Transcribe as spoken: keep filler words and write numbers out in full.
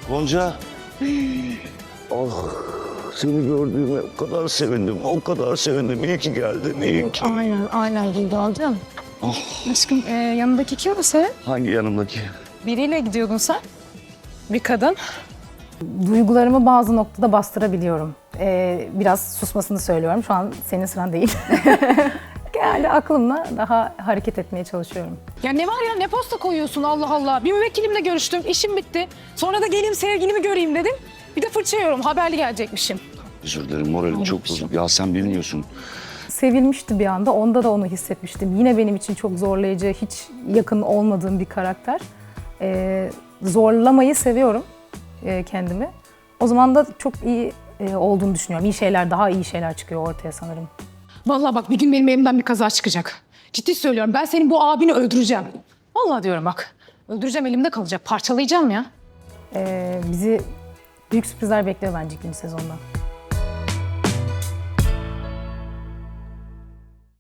Gonca. Oh, seni gördüğüme o kadar sevindim, o kadar sevindim. İyi ki geldin, iyi ki. Aynen, aynen Güldan'cığım. Oh. Aşkım e, yanındaki kim o senin? Hangi yanımdaki? Biriyle gidiyordun sen. Bir kadın. Duygularımı bazı noktada bastırabiliyorum. Ee, biraz susmasını söylüyorum. Şu an senin sıran değil. Genelde aklımla daha hareket etmeye çalışıyorum. Ya ne var ya, ne posta koyuyorsun Allah Allah. Bir müvekkilimle görüştüm, işim bitti. Sonra da geleyim sevgilimi göreyim dedim. Bir de fırça yiyorum, haberli gelecekmişim. Özür dilerim, moralim çok bozuk. Ya sen bilmiyorsun. Sevilmişti bir anda. Onda da onu hissetmiştim. Yine benim için çok zorlayıcı, hiç yakın olmadığım bir karakter. Ee, zorlamayı seviyorum e, kendimi. O zaman da çok iyi e, olduğunu düşünüyorum. İyi şeyler, daha iyi şeyler çıkıyor ortaya sanırım. Vallahi bak, bir gün benim elimden bir kaza çıkacak. Ciddi söylüyorum, ben senin bu abini öldüreceğim. Vallahi diyorum bak. Öldüreceğim, elimde kalacak. Parçalayacağım ya. Ee, bizi büyük sürprizler bekliyor bence ikinci sezonda.